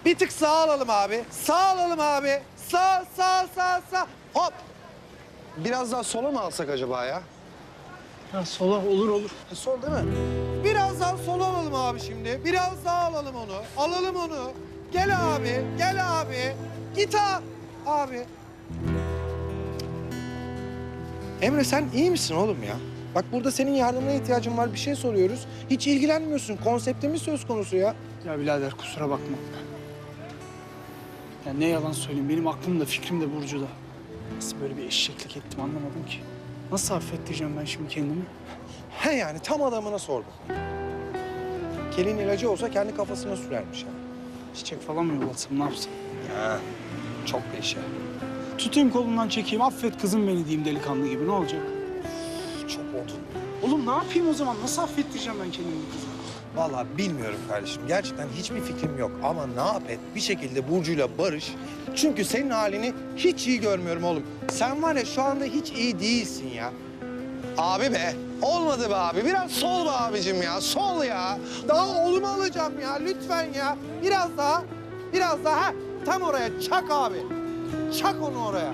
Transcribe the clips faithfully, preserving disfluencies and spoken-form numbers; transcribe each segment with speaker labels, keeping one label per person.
Speaker 1: Bir tık sağ alalım abi. Sağ alalım abi. Sağ, sağ, sağ, sağ. Hop. Biraz daha sola mı alsak acaba ya?
Speaker 2: Ya sola olur olur.
Speaker 1: Ha, sol değil mi? Biraz daha sola alalım abi şimdi. Biraz daha alalım onu. Alalım onu. Gel abi, gel abi. Git ha- abi. Emre sen iyi misin oğlum ya? Bak burada senin yardımına ihtiyacın var. Bir şey soruyoruz. Hiç ilgilenmiyorsun. Konseptimiz söz konusu ya.
Speaker 2: Ya birader kusura bakma. Ya ne yalan söyleyeyim, benim aklım da fikrim de Burcu'da. Nasıl böyle bir eşeklik ettim anlamadım ki. Nasıl affettireceğim ben şimdi kendimi?
Speaker 1: He yani tam adamına sordum. Kelin ilacı olsa kendi kafasına sürermiş yani.
Speaker 2: Çiçek falan mı yollatsam, ne yapsam?
Speaker 1: Ha, çok değişik.
Speaker 2: Tutayım kolundan çekeyim, affet kızım beni diyeyim delikanlı gibi, ne olacak?
Speaker 1: Çok odun.
Speaker 2: Oğlum ne yapayım o zaman? Nasıl affettireceğim ben kendimi kıza?
Speaker 1: Vallahi bilmiyorum kardeşim. Gerçekten hiçbir fikrim yok. Ama ne yap et bir şekilde Burcu'yla barış. Çünkü senin halini hiç iyi görmüyorum oğlum. Sen var ya şu anda hiç iyi değilsin ya. Abi be. Olmadı be abi. Biraz sol be abicim ya. Sol ya. Daha oğlumu alacağım ya. Lütfen ya. Biraz daha. Biraz daha. Ha, tam oraya. Çak abi. Çak onu oraya.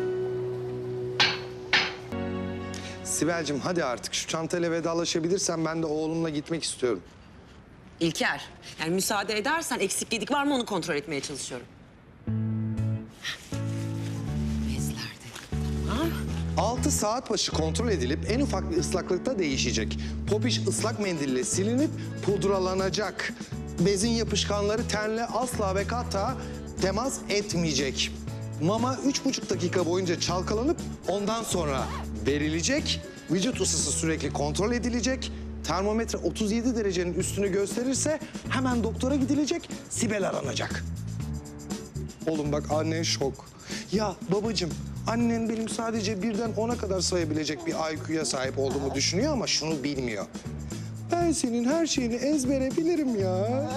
Speaker 1: Sibel'cim hadi artık şu çantayla vedalaşabilirsen ben de oğlumla gitmek istiyorum.
Speaker 3: İlker, yani müsaade edersen eksik gedik var mı onu kontrol etmeye çalışıyorum. Bezlerde. Tamam.
Speaker 1: Altı saat başı kontrol edilip en ufak bir ıslaklıkta değişecek. Popiş ıslak mendille silinip pudralanacak. Bezin yapışkanları tenle asla ve kata temas etmeyecek. Mama üç buçuk dakika boyunca çalkalanıp ondan sonra verilecek. Vücut ısısı sürekli kontrol edilecek. Termometre otuz yedi derecenin üstünü gösterirse hemen doktora gidilecek, Sibel aranacak. Oğlum bak annen şok. Ya babacığım, annen benim sadece birden ona kadar sayabilecek bir I Q'ya sahip olduğumu düşünüyor ama şunu bilmiyor. Ben senin her şeyini ezbere bilirim ya.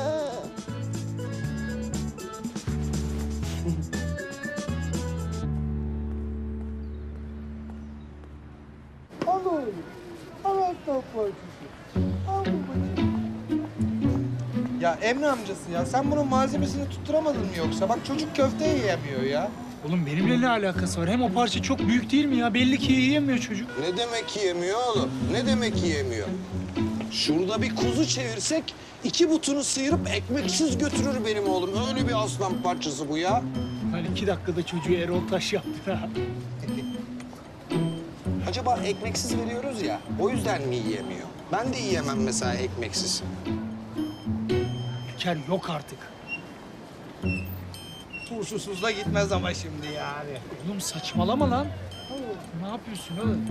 Speaker 1: Al oğlum. Al aslan parçası. Al babacığım. Ya Emre amcası ya sen bunun malzemesini tutturamadın mı yoksa? Bak çocuk köfte yiyemiyor ya.
Speaker 2: Oğlum benimle ne alakası var? Hem o parça çok büyük değil mi ya? Belli ki yiyemiyor çocuk.
Speaker 1: Ne demek yiyemiyor oğlum? Ne demek yiyemiyor? Şurada bir kuzu çevirsek iki butunu sıyırıp ekmeksiz götürür benim oğlum. Öyle bir aslan parçası bu ya.
Speaker 2: Hani iki dakikada çocuğu Erol Taş yaptı ha.
Speaker 1: Acaba ekmeksiz veriyoruz ya, o yüzden mi yiyemiyor? Ben de yiyemem mesela ekmeksiz.
Speaker 2: İlker yok artık.
Speaker 4: Turşusuz da gitmez ama şimdi yani.
Speaker 2: Oğlum saçmalama lan. Ne yapıyorsun oğlum?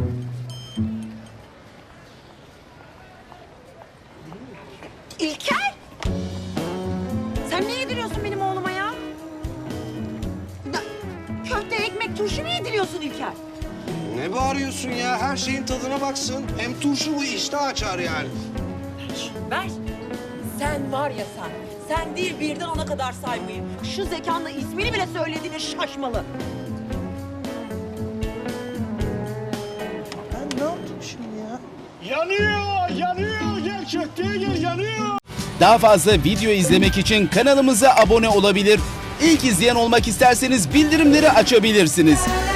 Speaker 3: İlker! Sen ne yediriyorsun benim oğluma ya? Ya, köfte, ekmek, turşu mu yediriyorsun İlker?
Speaker 1: Ne bağırıyorsun ya? Her şeyin tadına baksın. Hem turşu bu iştah açar yani.
Speaker 3: Ver. Sen var ya sen. Sen değil birden ona kadar saymayı. Şu zekanla ismini bile söylediğine şaşmalı.
Speaker 1: Ben ne yaptım şimdi ya?
Speaker 2: Yanıyor, yanıyor. Gel köfteye gel, yanıyor.
Speaker 5: Daha fazla video izlemek için kanalımıza abone olabilir. İlk izleyen olmak isterseniz bildirimleri açabilirsiniz.